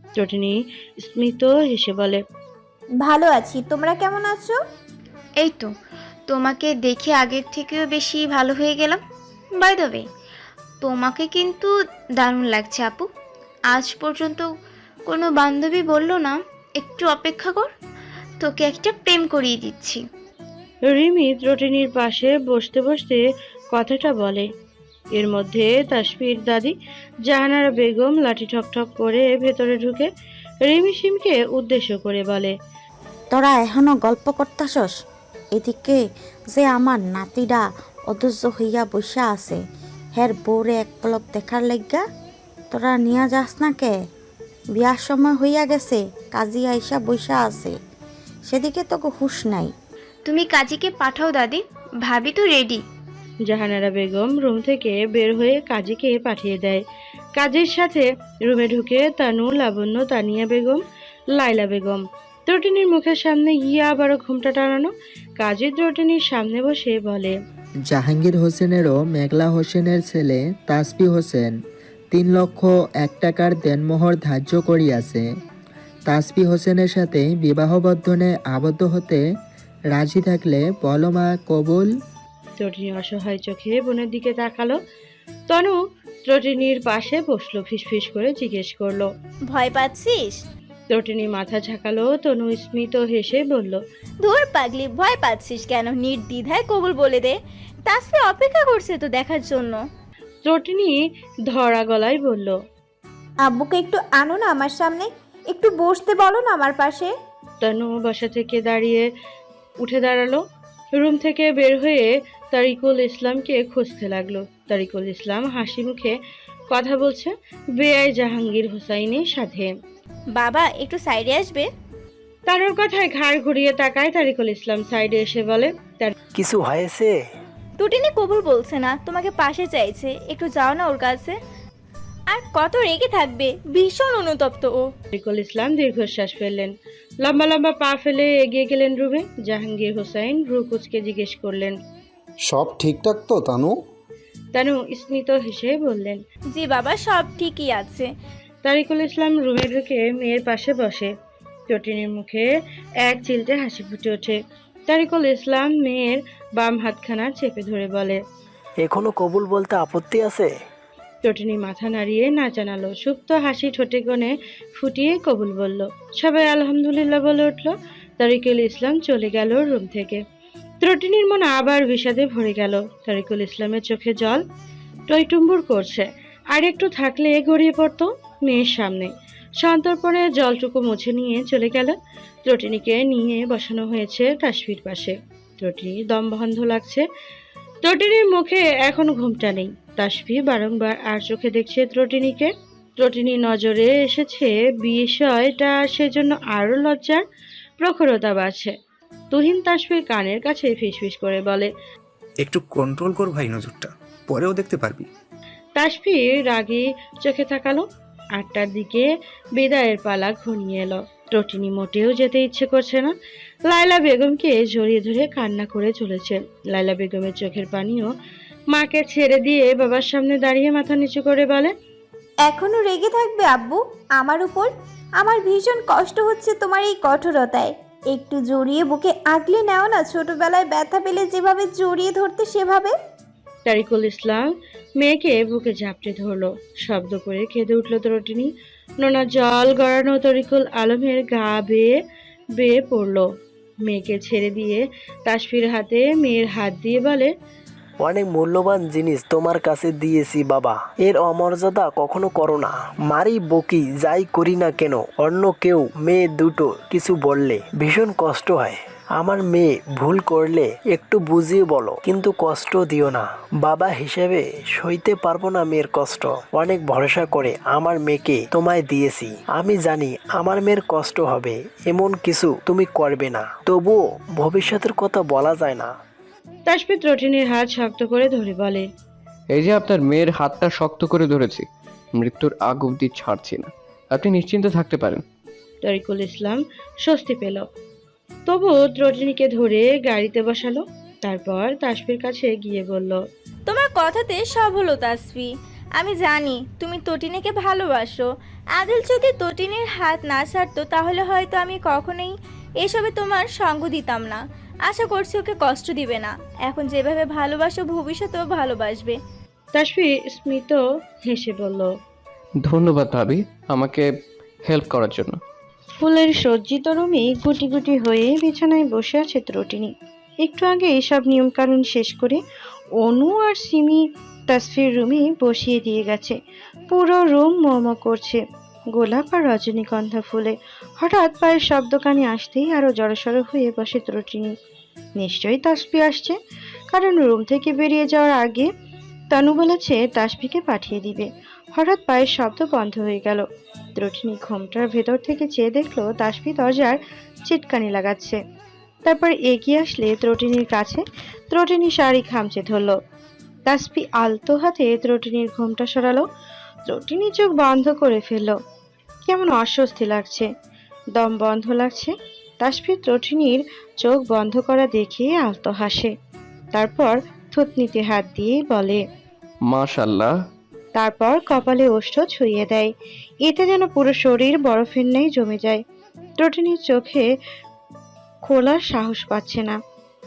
ত্রটিনী স্মিত হেসে বলে, ভালো আছি, তোমরা কেমন আছো? এই তো, তোমাকে দেখে আগের থেকেও বেশি ভালো হয়ে গেলাম। বাই দ্য ওয়ে, তোমাকে কিন্তু দারুণ লাগছে আপু। আজ পর্যন্ত কোনো বান্ধবী বলল না একটু অপেক্ষা কর, তোকে একটা প্রেম করিয়ে দিচ্ছি। রিমি ত্রটিনীর পাশে বসতে বসতে কথাটা বলে। এর মধ্যে তাসফির দাদি জাহানারা বেগম লাঠি ঠকঠক করে ভেতরে ঢুকে রিমি সিমকে উদ্দেশ্য করে বলে, তোরা এখনো গল্প করতাছস? এদিকে যে আমার নাতিরা অধৈর্য হইয়া বসা আছে, হের বউরে এক পলক দেখার লাগিয়া তোরা নিয়া যাস না কে? বিয়ার সময় হইয়া গেছে, কাজী আইসা বসা আছে, সেদিকে তোকে হুঁশ নাই। তুমি কাজীকে পাঠাও দাদি, ভাবি তো রেডি। জাহানারা বেগম রুম থেকে বের হয়ে কাজীকে পাঠিয়ে দেয়। কাজীর সাথে রুমে ঢুকে তানু, লাবণ্য, তানিয়া বেগম, লাইলা বেগম। ত্রটিনীর মুখের সামনে গিয়ে আবারও ঘুমটা টানানো। কাজী ত্রটিনীর সামনে বসে বলে, জাহাঙ্গীর হোসেনেরও মেঘলা হোসেনের ছেলে তাসফি হোসেন 3,01,000 দেনমোহর ধার্য করিয়াছে। তাসফি হোসেনের সাথে বিবাহ বন্ধনে আবদ্ধ হতে রাজি থাকলে বলো মা কবুল। ত্রটিনী অসহায় চোখে বোনের দিকে তাকালো। তনু ত্রটিনীর পাশে বসলো, ফিসফিস করে জিজ্ঞেস করলো, ভয় পাচ্ছিস? ত্রটিনী মাথা ঝাঁকালো। তনু স্মিত হেসে বলল, ধুর পাগলি, ভয় পাচ্ছিস কেন? নির্দ্বিধায় কবুল বলে দে। তাসফি অপেক্ষা করছে তো দেখার জন্য। ত্রটিনী ধরা গলায় বলল, আব্বুকে একটু আনো না আমার সামনে, একটু বসতে বলো না আমার পাশে। তনু বাসা থেকে উঠে দাঁড়ালো। রুম থেকে বের হয়ে তারিকুল ইসলামকে খুঁজতে লাগলো। তারিকুল ইসলাম হাসি মুখে কথা বলছে বেআই জাহাঙ্গীর হোসাইনের সাথে। বাবা একটু সাইডে আসবে? তানুর কথায় ঘাড় ঘুরিয়ে তাকায় তারিকুল ইসলাম। সাইডে এসে বলে, কিছু হয়েছে? টুটিনি কবুল বলছে না, তোমাকে পাশে চাইছে, একটু যাও না ওর কাছে। আর কত রেগে থাকবে, ভীষণ অনুতপ্ত ও। তারিকুল ইসলাম দীর্ঘশ্বাস ফেললেন। লম্বা লম্বা পা ফেলে এগিয়ে গেলেন রুমে। জাহাঙ্গীর হোসাইন ভ্রু কুঁচকে জিজ্ঞেস করলেন, সব ঠিকঠাক তো তানু? তানু স্মিত হেসে বললেন, জি বাবা, সব ঠিকই আছে। তারিকুল ইসলাম রুমে ঢুকে মেয়ের পাশে বসে। চটিনীর মুখে এক চিলটে হাসি ফুটে ওঠে। তারিকুল ইসলাম মেয়ের বাম হাতখানা চেপে ধরে বলে, এখনো কবুল বলতে আপত্তি আছে? চটিনী মাথা নাড়িয়ে না জানালো। সুপ্ত হাসি ঠোঁটে কোণে ফুটিয়ে কবুল বলল। সবাই আলহামদুলিল্লাহ বলে উঠল। তারিকুল ইসলাম চলে গেল রুম থেকে। ত্রটিনীর মন আবার বিষাদে ভরে গেল। তারিকুল ইসলামের চোখে জল টইটুম্বুর করছে। আর একটু থাকলে গড়িয়ে পড়তো মেয়ের সামনে। সন্তর্পণে জলটুকু মুছে নিয়ে চলে গেল। ত্রটিনীকে নিয়ে বসানো হয়েছে তাসফির পাশে। ত্রটিনীর দম বন্ধ লাগছে। ত্রটিনীর মুখে এখন ঘুমটা নেই। তাসফি বারংবার আর চোখে দেখছে ত্রটিনীকে। ত্রটিনীর নজরে এসেছে বিষয়টা, সেজন্য আরো লজ্জার প্রখরতা বাড়ছে। তুহিন তাসফির কানের কাছে ফিসফিস করে বলে, একটু কন্ট্রোল কর ভাই, নজরটা পরেও দেখতে পারবি। তাসফি রাগী চোখে তাকালো। 8টার দিকে বিদায়ের পালা ঘনিয়ে এলো। ত্রটিনী মোটেও যেতে ইচ্ছে করছে না। লায়লা বেগমকে জড়িয়ে ধরে কান্না করে চলেছে। লায়লা বেগমের চোখের পানিও মাকে ছেড়ে দিয়ে বাবার সামনে দাঁড়িয়ে মাথা নিচু করে বলে, এখনো রেগে থাকবে আব্বু আমার উপর? আমার ভীষণ কষ্ট হচ্ছে তোমার এই কঠোরতায়। একটু জড়িয়ে বুকে আগলে নাও না, ছোটবেলায় ব্যথা পেলে যেভাবে জড়িয়ে ধরতে সেভাবে। তারিকুল ইসলাম মেয়েকে বুকে ঝাপটে ধরলো। শব্দ করে কেঁদে উঠল ত্রটিনী। নোনা জল গড়ানো তরিকুল আলমের গা বেয়ে বেয়ে পড়লো। মেয়েকে ছেড়ে দিয়ে তাসফির হাতে মেয়ের হাত দিয়ে বলে, অনেক মূল্যবান জিনিস তোমার কাছে দিয়েছি বাবা, এর অমর্যাদা কখনো করো না। মারি বকি যাই করি না কেন, অন্য কেউ মেয়ে দুটো কিছু বললে ভীষণ কষ্ট হয়। আমার মেয়ে ভুল করলে একটু বুঝিয়ে বলো, কিন্তু কষ্ট দিও না। বাবা হিসেবে সইতে পারবো না মেয়ের কষ্ট। অনেক ভরসা করে আমার মেয়েকে তোমায় দিয়েছি। আমি জানি আমার মেয়ের কষ্ট হবে, এমন কিছু তুমি করবে না। তবুও ভবিষ্যতের কথা বলা যায় না। তাসফি ত্রটিনীর হাত শক্ত করে ধরে বলে, এই যে আপনার মেয়ের হাতটা শক্ত করে ধরেছি, মৃত্যুর আগ অবধি ছাড়ছি না, আপনি নিশ্চিন্তে থাকতে পারেন। তরিকুল ইসলাম স্বস্তি পেল। তবু ত্রটিনীকে ধরে গাড়িতে বসালো। তারপর তাসফির কাছে গিয়ে বলল, তোমার কথাতে সব হলো তাসফি। আমি জানি তুমি তটিনীকে ভালোবাসো। আদিল যদি তটিনীর হাত না ছাড়তো তাহলে হয়তো আমি কখনোই এসবে তোমার সঙ্গ দিতাম না। আশা করছি ওকে কষ্ট দিবে না। এখন যেভাবে ভালোবাসো ভবিষ্যতেও ভালোবাসবে। তাসফি স্মিত হেসে বলল। ধন্যবাদ ভাবি আমাকে হেল্প করার জন্য। ফুলের সজ্জিত রুমে গুটি গুটি হয়ে বিছানায় বসে আছে ত্রটিনী। একটু আগে এসব নিয়মকানুন শেষ করে অনু আর সিমি তাসফির রুমে বসিয়ে দিয়ে গেছে। পুরো রুম মোমো করছে গোলাপ আর রজনীগন্ধা ফুলে। হঠাৎ পায়ের শব্দ কানে আসতেই আরো জড়সড় হয়ে বসে ত্রটিনী। নিশ্চয়ই তাসফি আসছে, কারণ রুম থেকে বেরিয়ে যাওয়ার আগে তানু বলেছে তাসফিকে পাঠিয়ে দিবে। হঠাৎ পায়ের শব্দ বন্ধ হয়ে গেল। ত্রটিনী ঘোমটার ভেতর থেকে চেয়ে দেখলো তাসফি দরজার চিটকানি লাগাচ্ছে। তারপর এগিয়ে আসলে ত্রটিনীর কাছে। ত্রটিনী শাড়ি খামচে ধরলো। তাসফি আলতো হাতে ত্রটিনীর ঘোমটা সরালো। ত্রটিনী চোখ বন্ধ করে ফেললো। কেমন অস্বস্তি লাগছে, দম বন্ধ লাগছে। তাসফি ত্রটিনীর চোখ বন্ধ করা দেখে আলতো হাসে। তারপর থুতনিতে হাত দিয়ে বলে মাশাল্লাহ। তারপর কপালে ওষ্ঠ ছুঁয়ে দেয়। এতে যেন পুরো শরীর বরফের ন্যায় জমে যায়। ত্রটিনীর চোখে খোলার সাহস পাচ্ছে না।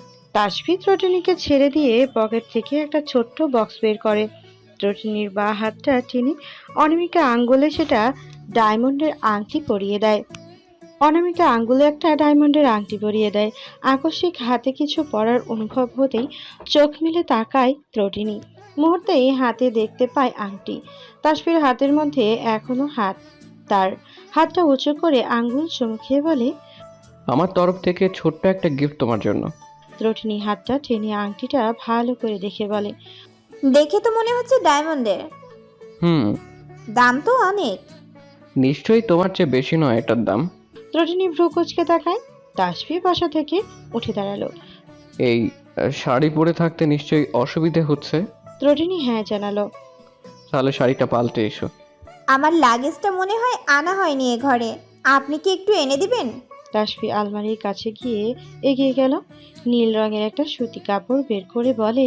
তাসফি ত্রটিনীকে ছেড়ে দিয়ে পকেট থেকে একটা ছোট্ট বক্স বের করে। ত্রটিনীর বাঁ হাতটা টেনে অনামিকা আঙ্গুলে সেটা ডায়মন্ডের আংটি পরিয়ে দেয়। অনামিকা আঙ্গুলে একটা ডায়মন্ডের আংটি পরিয়ে দেয়। আকস্মিক হাতে কিছু পরার অনুভব হতেই চোখ মিলে তাকায় ত্রটিনী। মুহূর্তেই হাতে দেখতে পায় আংটি। তাসফির হাতের মধ্যে এখনো হাত। তার হাতটা উঁচু করে আঙ্গুল চুমুকিয়ে বলে, আমার তরফ থেকে ছোট্ট একটা গিফট তোমার জন্য। ত্রটিনী হাতটা টেনে আংটিটা ভালো করে দেখে বলে, দেখে তো মনে হচ্ছে ডায়মন্ডের। হুম, দাম তো অনেক। নিশ্চয়ই তোমার চেয়ে বেশি নয় এটার দাম। ত্রটিনী ভ্রু কুঁচকে তাকায়। তাসফি বাসা থেকে উঠে দাঁড়ালো। এই শাড়ি পরে থাকতে নিশ্চয়ই অসুবিধে হচ্ছে। ত্রটিনী হ্যাঁ জানালো। তাহলে শাড়িটা পাল্টে এসো। আমার লাগেজটা মনে হয় আনা হয়নি এ ঘরে, আপনি কি একটু এনে দিবেন? তাসফি আলমারির কাছে গিয়ে এগিয়ে গেল। নীল রঙের একটা সুতি কাপড় বের করে বলে,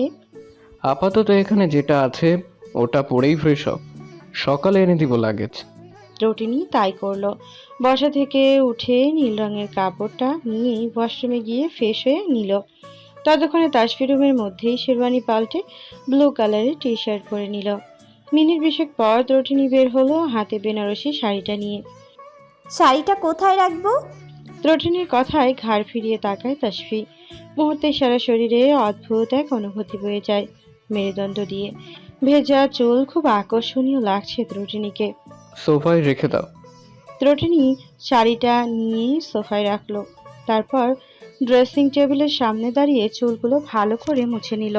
আপাতত এখানে যেটা আছে ওটা পরেই ফ্রেশ হও, সকালে এনে দিব লাগেজ। ত্রটিনী তাই করলো। বসা থেকে উঠে নীল রঙের কাপড়টা নিয়ে ওয়াশরুমে গিয়ে ফ্রেশ হয়ে নিল। ততক্ষণে তাসফি রুমের মধ্যেই শেরওয়ানি পাল্টে ব্লু কালারের টি শার্ট পরে নিল। মিনিট বিশেক পর ত্রটিনী বের হলো হাতে বেনারসি শাড়িটা নিয়ে। শাড়িটা কোথায় রাখবো? ত্রটিনীর কথায় ঘাড় ফিরিয়ে তাকায় তাসফি। মুহূর্তে সারা শরীরে অদ্ভুত এক অনুভূতি বয়ে যায় মেরুদণ্ড দিয়ে। ভেজা চুল খুব আকর্ষণীয় লাগছে ত্রটিনীকে। সোফায় রেখে দাও। ত্রটিনী শাড়িটা নিয়ে সোফায় রাখলো। তারপর ড্রেসিং টেবিলের সামনে দাঁড়িয়ে চুলগুলো ভালো করে মুছে নিল।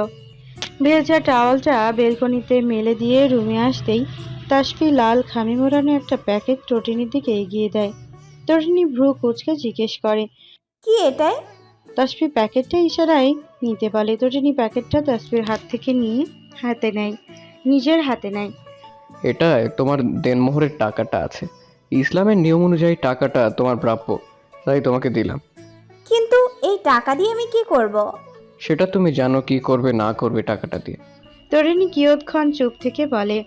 ভেজা টাওয়ালটা বেলকনিতে মেলে দিয়ে রুমে আসতেই তাসফি লাল খামে মোড়ানো একটা প্যাকেট ত্রটিনীর দিকে এগিয়ে দেয়। ত্রটিনী ভ্রু কুঁচকে জিজ্ঞেস করে, কি এটাই? তাসফি প্যাকেটটা ইশারায় নিতে বলে। ত্রটিনী প্যাকেটটা তাসফির হাত থেকে নিয়ে হাতে নেয়, নিজের হাতে নেয়। এটায় তোমার দেনমোহরের টাকাটা আছে। ইসলামের নিয়ম অনুযায়ী টাকাটা তোমার প্রাপ্য, তাই তোমাকে দিলাম। কিন্তু এই টাকা দিয়ে আমি কি করব? সেটা তুমি জানো কি করবে না করবে টাকাটা দিয়ে। ত্রটিনী কিয়ৎক্ষণ চুপ থেকে বলে,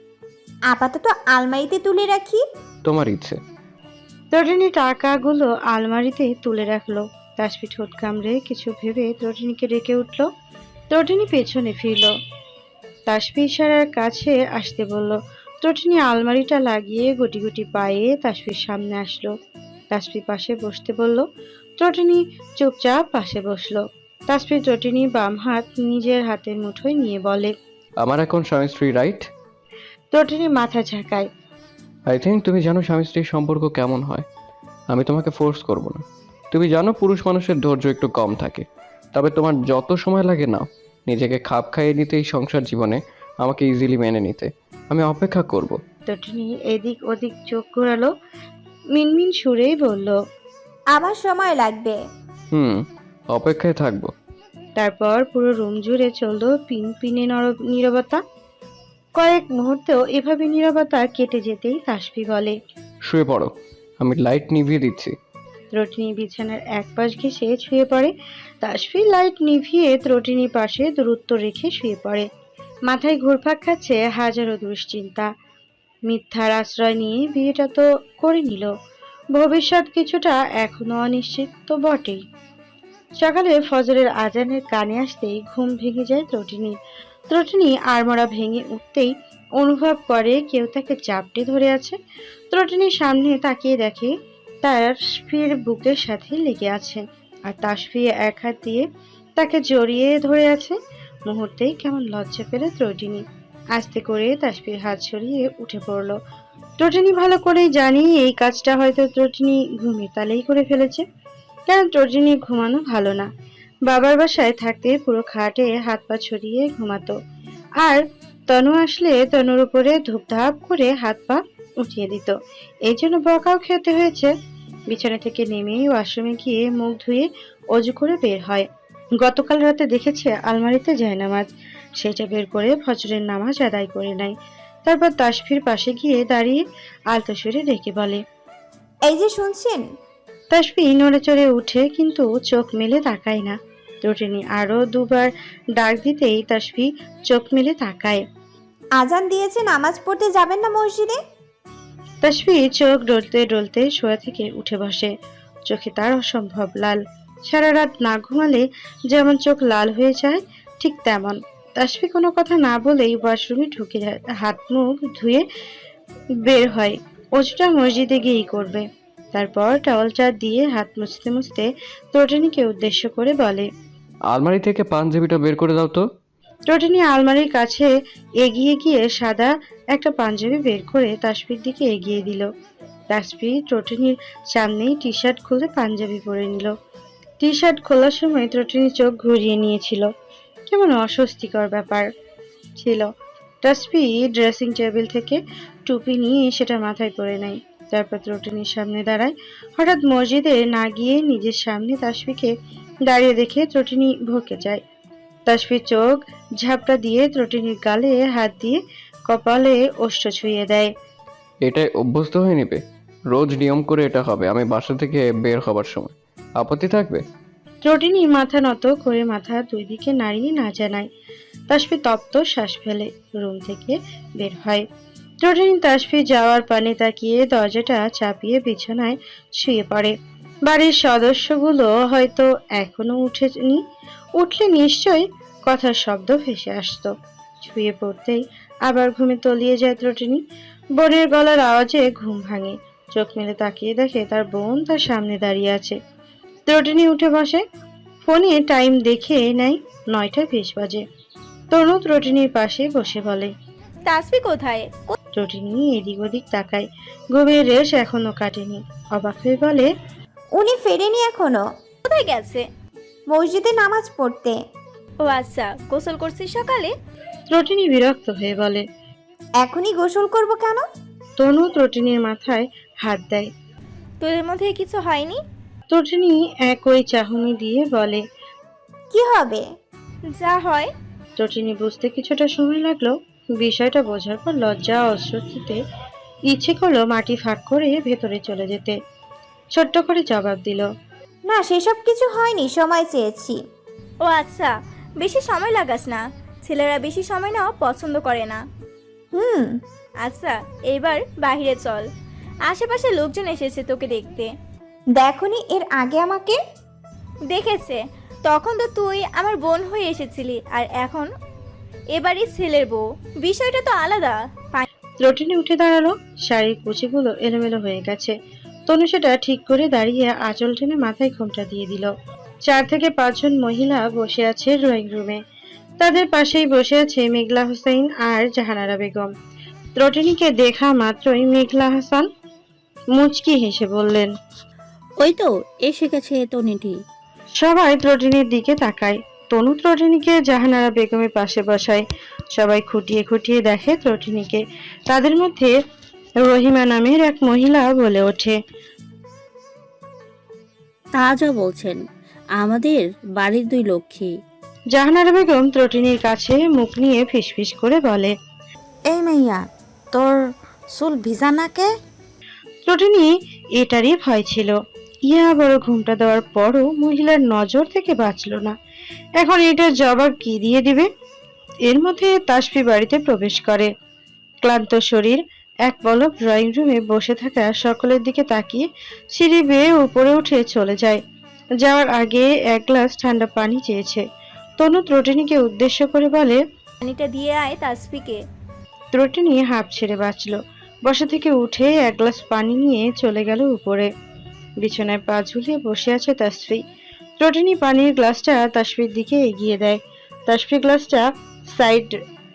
আপাতত আলমারিতে তুলে রাখি। তোমার ইচ্ছে। ত্রটিনী টাকাগুলো আলমারিতে তুলে রাখলো। তাসফি ঠোঁট কামড়ে কিছু ভেবে ত্রটিনীকে ডেকে উঠল। ত্রটিনী পেছনে ফিরল। তাসফি ইশারার কাছে আসতে বলল। ত্রটিনী আলমারিটা লাগিয়ে গুটি গুটি পায়ে তাসফির সামনে আসলো। তাসফি পাশে বসতে বলল। ত্রটিনী চুপচাপ পাশে বসলো। তাসফি ত্রটিনী বাম হাত নিজের হাতের মুঠোয় নিয়ে বলে, আমার এখন স্বামী স্ত্রী, রাইট? ত্রটিনী মাথা ঝাঁকায়। আই থিঙ্ক তুমি জানো স্বামী স্ত্রীর সম্পর্ক কেমন হয়। আমি তোমাকে ফোর্স করব না। তুমি জানো পুরুষ মানুষের ধৈর্য একটু কম থাকে। তবে তোমার যত সময় লাগে নাও, নিজেকে খাপ খাইয়ে নিতে এই সংসার জীবনে আমাকে ইজিলি মেনে নিতে আমি অপেক্ষা করব। ত্রটিনী এদিক ওদিক চোখ ঘোরালো। মিনমিন সুরেই বলল, আমার সময় লাগবে। অপেক্ষায় থাকবো। তারপর পুরো রুম জুড়ে চলল পিন পিনে নীরবতা। কয়েক মুহূর্তেও এভাবে নীরবতা কেটে যেতেই তাসফি বলে, শুয়ে পড়ো, আমি লাইট নিভিয়ে দিচ্ছি। ত্রটিনী বিছানার এক পাশ ঘেঁষে শুয়ে পড়ে। তাসফি লাইট নিভিয়ে ত্রটিনীর পাশে দূরত্ব রেখে শুয়ে পড়ে। মাথায় ঘুরপাক খাচ্ছে হাজারো দুশ্চিন্তা। মিথ্যার আশ্রয় নিয়ে বিয়েটা তো করে নিল, ভবিষ্যৎ কিছুটা এখনো অনিশ্চিত তো বটেই। সকালে ফজরের আজানের কানে আসতেই ঘুম ভেঙে যায় ত্রটিনির। ত্রটিনি আড়মোড়া ভেঙে উঠতেই অনুভব করে কেউ তাকে চাপটে ধরে আছে। ত্রটিনির সামনে তাকিয়ে দেখে তাসফির বুকের সাথে লেগে আছে, আর তাসফি এক হাত দিয়ে তাকে জড়িয়ে ধরে আছে। মুহূর্তেই কেমন লজ্জা পেল ত্রটিনি, আস্তে করে তাসফির হাত সরিয়ে উঠে পড়ল। ত্রটিনি ভালো করেই জানি এই কাজটা হয়তো ত্রটিনি ঘুমিয়ে তালেই করে ফেলেছে, কারণ ত্রটিনি ঘুমানো ভালো না। বাবার বাসায় থাকতে পুরো খাটে হাত পা ছড়িয়ে ঘুমাতো, আর তনু আসলে তনুর উপরে ধূপধাপ করে হাত পা উঠিয়ে দিত। এই জন্য বকাও খেতে হয়েছে। বিছানা থেকে নেমে ওয়াশরুমে গিয়ে মুখ ধুয়ে অজু করে বের হয়। গতকাল রাতে দেখেছে আলমারিতে জায়নামাজ, সেটা বের করে ফজরের নামাজ আদায় করে নেয়। তারপর তাসফির পাশে গিয়ে দাঁড়িয়ে আলতো সুরে ডেকে বলে, এই যে শুনছেন? তাসফি নড়ে চড়ে উঠে কিন্তু চোখ মেলে তাকায় না। ত্রটিনি আরো দুবার ডাক দিতেই তাসফি চোখ মেলে তাকায়। আজান দিয়েছে, নামাজ পড়তে যাবেন না মসজিদে? তাসফি চোখ ডলতে ডলতে শোয়া থেকে উঠে বসে। চোখে তার অসম্ভব লাল। সারা রাত না ঘুমালে যেমন চোখ লাল হয়ে যায়, ঠিক তেমন। তাসফি কোনো কথা না বলেই ওয়াশরুমে ঢুকে হাত মুখ ধুয়ে বের হয়। অজুটা মসজিদে গিয়েই করবে। তারপর টাওয়ালটা দিয়ে হাত মুছতে মুছতে ত্রটিনিকে উদ্দেশ্য করে বলে, আলমারি থেকে পাঞ্জাবিটা বের করে দাও তো। ত্রটিনি আলমারির কাছে এগিয়ে গিয়ে সাদা একটা পাঞ্জাবি বের করে তাসফির দিকে এগিয়ে দিল। তাসফি ত্রটিনির সামনেই টি শার্ট খুলে পাঞ্জাবি পরে নিল। টি শার্ট খোলার সময় ত্রটিনি চোখ ঘুরিয়ে নিয়েছিল। কেমন অস্বস্তিকর ব্যাপার ছিল। তাসফি ড্রেসিং টেবিল থেকে টুপি নিয়ে সেটা মাথায় পরে নেয়। তারপর ত্রটিনির সামনে দাঁড়ায়। হঠাৎ মসজিদে না গিয়ে নিজের সামনে তাসফিকে দাঁড়িয়ে দেখে ত্রটিনি ভরকে যায়। তাসফির চোখ ঝাপটা দিয়ে ত্রটিনির গালে হাত দিয়ে কপালে ওষ্ঠ ছুঁয়ে দেয়। এটাই অভ্যস্ত হয়ে নেবে, রোজ নিয়ম করে এটা হবে আমি বাসা থেকে বের হবার সময়। আপত্তি থাকবে? ত্রটিনি মাথা নত করে মাথা দুই দিকে নাড়িয়ে না জানায়। তাসফি তপ্ত শ্বাস ফেলে রুম থেকে বের হয়। ত্রটিনি তাসফি যাওয়ার পানে তাকিয়ে দরজাটা চাপিয়ে বিছানায় শুয়ে পড়ে। বাড়ির সদস্যগুলো হয়তো এখনো উঠেনি, উঠলে নিশ্চয়ই কথার শব্দ ভেসে আসতো। শুয়ে পড়তেই আবার ঘুমে তলিয়ে যায় ত্রটিনি। বোনের গলার আওয়াজে ঘুম ভাঙে। চোখ মেলে তাকিয়ে দেখে তার বোন তার সামনে দাঁড়িয়ে আছে। ত্রটিনি উঠে বসে। ফোনে টাইম দেখে নেয় 9টা 20 বাজে। তনু ত্রটিনির পাশে বসে বলে, তাসফি কোথায়? ত্রটিনি এদিক ওদিক তাকায়। ঘুমের রেশ এখনো কাটেনি। অবাক হয়ে বলে, উনি ফেরেনি এখনো। কোথায় গেছে? মসজিদে নামাজ পড়তে। ও আচ্ছা, গোসল করছিস সকালে? ত্রটিনি বিরক্ত হয়ে বলে। এখনই গোসল করব কেন? তনু ত্রটিনির মাথায় হাত দেয়। তোদের মধ্যে কিছু হয়নি? ত্রটিনি একই চাহনি দিয়ে বলে, কি হবে? যা হয়। ত্রটিনি বুঝতে কিছুটা সময় লাগলো। বিষয়টা বোঝার পর লজ্জা ও অস্বস্তিতে ইচ্ছে করলো মাটি ফাঁক করে ভেতরে চলে যেতে। ছোট্ট করে জবাব দিল, না, সেসব কিছু হয়নি, সময় চেয়েছি। ও আচ্ছা, বেশি সময় লাগাস না। ছেলেরা বেশি সময় নেওয়া পছন্দ করে না। হুম। আচ্ছা, এবার বাইরে চল। আশেপাশে লোকজন এসেছে তোকে দেখতে। দেখনি এর আগে আমাকে? দেখেছে। তখন তো তুই আমার বোন হয়ে এসেছিলি, আর এখন এবারই ছেলের বউ। বিষয়টা তো আলাদা। ত্রটিনি উঠে দাঁড়ালো। শাড়ির কুচিগুলো এলোমেলো হয়ে গেছে। তনু সেটা ঠিক করে দাঁড়িয়ে আঁচল টেনে মাথায় ঘোমটা দিয়ে দিল। 4 থেকে 5 জন মহিলা বসে আছে ড্রয়িং রুমে। তাদের পাশেই বসে আছে মেঘলা হোসেন আর জাহানারা বেগম। ত্রটিনিকে দেখা মাত্রই মেঘলা হাসান মুচকি হেসে বললেন, ওই তো এসে গেছে তনিটি। সবাই ত্রটিনির দিকে তাকায়। তনু ত্রটিনিকে জাহানারা বেগমের পাশে বসায়। সবাই খুঁটিয়ে খুঁটিয়ে দেখে ত্রটিনিকে। তাদের মধ্যে রহিমা নামের এক মহিলা বলে ওঠে, তা যা বলছেন, আমাদের বাড়ির 2 লক্ষ্মী। জাহানারা বেগম ত্রটিনির কাছে মুখ নিয়ে ফিসফিস করে বলে, এই মাইয়া, তোর চুল ভিজা নাকে? ত্রটিনি এটারই ভয় ছিল। ইয়া বড় ঘুমটা দেওয়ার পরও মহিলার নজর থেকে বাঁচল না। এখন এটার জবাব কি দিয়ে দিবে? এর মধ্যে তাসফি বাড়িতে প্রবেশ করে। ক্লান্ত শরীর এক পলক ড্রয়িং রুমে বসে থাকা সকলের দিকে তাকিয়ে সিঁড়ি বেয়ে উপরে উঠে চলে যায়। যাওয়ার আগে এক গ্লাস ঠান্ডা পানি চেয়েছে। তনু ত্রটিনীকে উদ্দেশ্য করে বলে, পানিটা দিয়ে আয় তাসফিকে। ত্রটিনী হাঁপ ছেড়ে বাঁচল। বসা থেকে উঠে এক গ্লাস পানি নিয়ে চলে গেল উপরে। বিছানায় পা ঝুলিয়ে বসে আছে তাসফি। ত্রটিনী পানির গ্লাসটা তাসফির দিকে এগিয়ে দেয়। তাসফি গ্লাসটা সাইড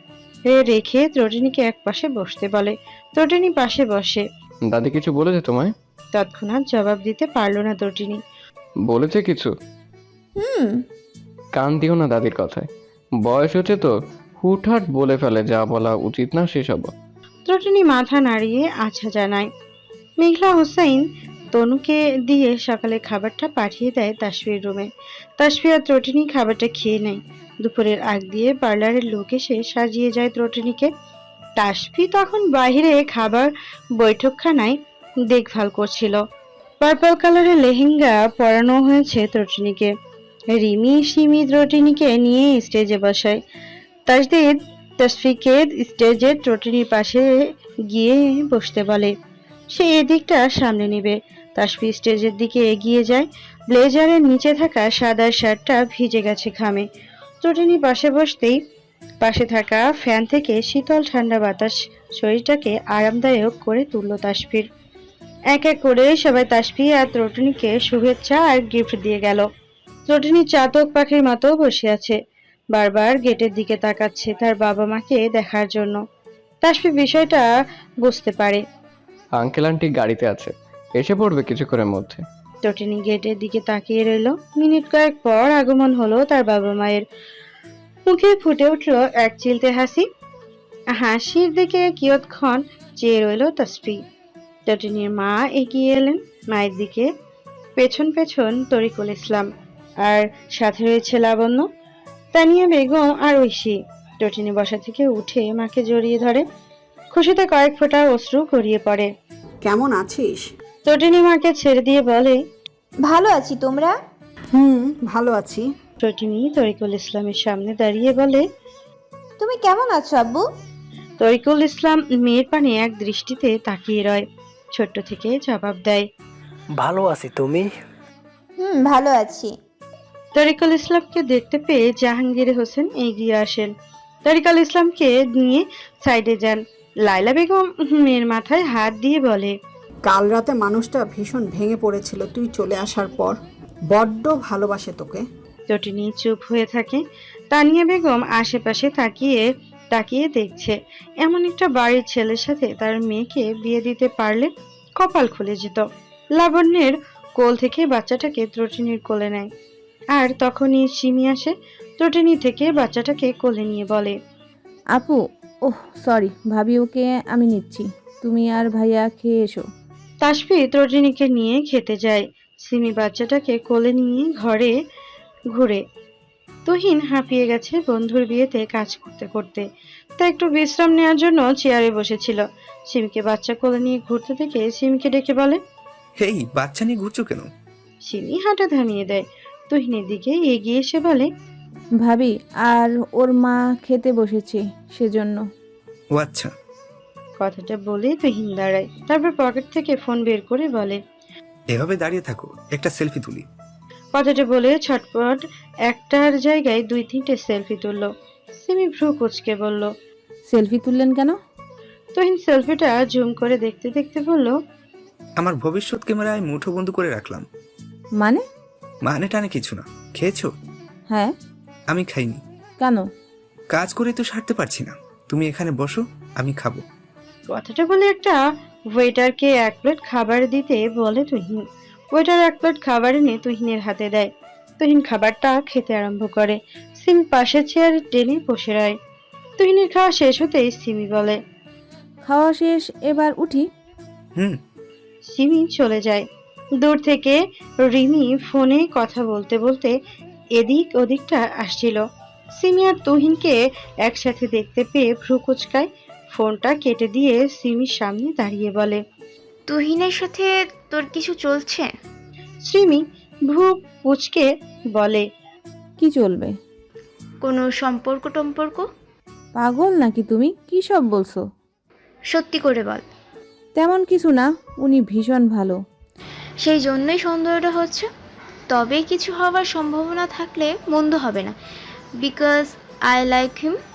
রেখে ত্রটিনীকে এক পাশে বসতে বলে। ত্রটিনী পাশে বসে। দাদি কিছু বলেছে তোমায়? তৎক্ষণাৎ জবাব দিতে পারল না ত্রটিনী। বলেছে কিছু? হুম। কান দিও না দাদির কথায়, বয়স হচ্ছে তো, হুটহাট বলে ফেলে, যা বলা উচিত না সেসব। ত্রটিনী মাথা নাড়িয়ে আচ্ছা জানায়। মেঘলা হোসেন তনুকে দিয়ে সকালে খাবারটা পাঠিয়ে দেয় তাসফির রুমে। তাসফি আর ত্রটিনী খাবারটা খেয়ে নেয়। দুপুরের আগ দিয়ে পার্লারের লোক এসে সাজিয়ে যায় ত্রটিনীকে। তাসফি তখন বাইরে খাবার বৈঠকখানায় দেখভাল করছিল। পার্পল কালারের লেহেঙ্গা পরানো হয়েছে ত্রটিনীকে। রিমি সিমি ত্রটিনীকে নিয়ে স্টেজে বসায়। তাসদিদ তাসফিকে স্টেজের ত্রটিনীর পাশে গিয়ে বসতে বলে। সে এদিকটা সামনে নেবে। তাসফি স্টেজের দিকে এগিয়ে যায়। ব্লেজারের নিচে থাকা সাদা শার্টটা ভিজে গেছে ঘামে। ত্রটিনী পাশে বসতেই পাশে থাকা ফ্যান থেকে শীতল ঠান্ডা বাতাস শরীরটাকে আরামদায়ক করে তুলল তাসফির। এক এক করে সবাই তাসফি আর ত্রটিনীকে শুভেচ্ছা আর গিফট দিয়ে গেল। ত্রটিনী চাতক পাখির মতো বসে আছে। বারবার গেটের দিকে তাকাচ্ছে তার বাবা মাকে দেখার জন্য। তাসফি বিষয়টা বুঝতে পারে। আঙ্কেল আন্টি গাড়িতে আছে, এসে পড়বে কিছুক্ষণের মধ্যে। ত্রটিনী গেটের দিকে তাকিয়ে রইল। মিনিট কয়েক পর আগমন হলো তার বাবা মায়ের। মুখে ফুটে উঠল এক চিলতে হাসি। হাসির দিকে কিয়ৎক্ষণ চেয়ে রইল তাসফি। ত্রটিনীর মা এগিয়ে এলেন মায়ের দিকে। পেছন পেছন তরিকুল ইসলাম, আর সাথে রয়েছে লাবণ্য, তানিয়া বেগম আর ঐশী। ত্রটিনী বসা থেকে উঠে মাকে জড়িয়ে ধরে। খুশিতে কয়েক ফোঁটা অশ্রু গড়িয়ে পড়ে। কেমন আছিস? ত্রটিনী মাকে ছেড়ে দিয়ে বলে, ভালো আছি, তোমরা? ভালো আছি। ত্রটিনী তরিকুল ইসলামের সামনে দাঁড়িয়ে বলে, তুমি কেমন আছো আব্বু? তরিকুল ইসলাম মেয়ের পানে এক দৃষ্টিতে তাকিয়ে রয়। ছোট্ট থেকে জবাব দেয়, ভালো আছি, তুমি? ভালো আছি। তরিকুল ইসলামকে দেখতে পেয়ে জাহাঙ্গীর হোসেন এগিয়ে আসেন। তরিকুল ইসলামকে নিয়ে সাইডে যান। লাইলা বেগম মেয়ের মাথায় হাত দিয়ে বলে, কাল রাতে মানুষটা ভীষণ ভেঙে পড়েছিল তুই চলে আসার পর। বড্ড ভালোবাসে তোকে। ত্রটিনী চুপ হয়ে থাকে। তানিয়া বেগম আশেপাশে তাকিয়ে তাকিয়ে দেখছে। এমন একটা বাড়ির ছেলের সাথে তার মেয়েকে বিয়ে দিতে পারলে কপাল খুলে যেত। লাবণ্যের কোল থেকে বাচ্চাটাকে ত্রটিনীর কোলে নেয়। আর তখনই সিমি আসে। ত্রটিনী থেকে বাচ্চাটাকে কোলে নিয়ে বলে, আপু, ওহ সরি ভাবি, ওকে আমি নিচ্ছি, তুমি আর ভাইয়া খেয়ে এসো। তাসফি ত্রটিনীকে নিয়ে খেতে যায়। সিমি বাচ্চাটাকে কোলে নিয়ে ঘরে ঘুরে। তুহিন হাঁপিয়ে গেছে বন্ধুর বিয়েতে কাজ করতে করতে। তা একটু বিশ্রাম নেওয়ার জন্য চেয়ারে বসেছিল। সিমিকে বাচ্চা কোলে নিয়ে ঘুরতে দেখে সিমিকে ডেকে বলে, হেই, বাচ্চা নিয়ে ঘুরছো কেন? সিমি হাঁটা থামিয়ে দেয়। তুহিনের দিকে এগিয়ে এসে বলে, ভাবি আর ওর মা খেতে বসেছে সেজন্য। ও আচ্ছা। কথাটা বলে তুহিন দাঁড়ায়। তারপর পকেট থেকে ফোন বের করে বলে, এভাবে দাঁড়িয়ে থাকো, একটা সেলফি তুলি। কথাটা বলে ছটপট একটার জায়গায় 2-3টে সেলফি তুললো। সিমি ভ্রু কুচকে বলল, সেলফি তুললেন কেন? তুহিন সেলফিটা জুম করে দেখতে দেখতে বলল, আমার ভবিষ্যৎ ক্যামেরায় মুঠো বন্ধ করে রাখলাম। মানে? মানে টানে কিছু না। খেয়েছো? হ্যাঁ। আমি খাইনি। কেন? কাজ করে তো সারতে পারছি না। তুমি এখানে বসো, আমি খাবো। কথাটা বলে একটা ওয়েটারকে 1 প্লেট খাবার দিতে বলে তুহিন। ওয়েটার 1 প্লেট খাবার এনে তুহিনের হাতে দেয়। তুহিন খাবারটা খেতে আরম্ভ করে। সিমি পাশের চেয়ারে টেনে বসে রয়। তুহিনের খাওয়া শেষ হতেই সিমি বলে, খাওয়া শেষ, এবার উঠি। সিমি চলে যায়। দূর থেকে রিমি ফোনে কথা বলতে বলতে এদিক ওদিকটা আসছিল। সিমি আর তুহিনকে একসাথে দেখতে পেয়ে ভ্রু কুচকায়। ফোনটা কেটে দিয়ে সিমির সামনে দাঁড়িয়ে বলে, তুহিনের সাথে তোর কিছু চলছে? সিমি ভ্রু কুচকে বলে, কি চলবে? কোনো সম্পর্ক টম্পর্ক? পাগল নাকি তুমি? কী সব বলছো? সত্যি করে বল। তেমন কিছু না, উনি ভীষণ ভালো। সেই জন্যই সন্দেহটা হচ্ছে। তবে কিছু হওয়ার সম্ভাবনা থাকলে মন্দ হবে না, বিকজ আই লাইক হিম।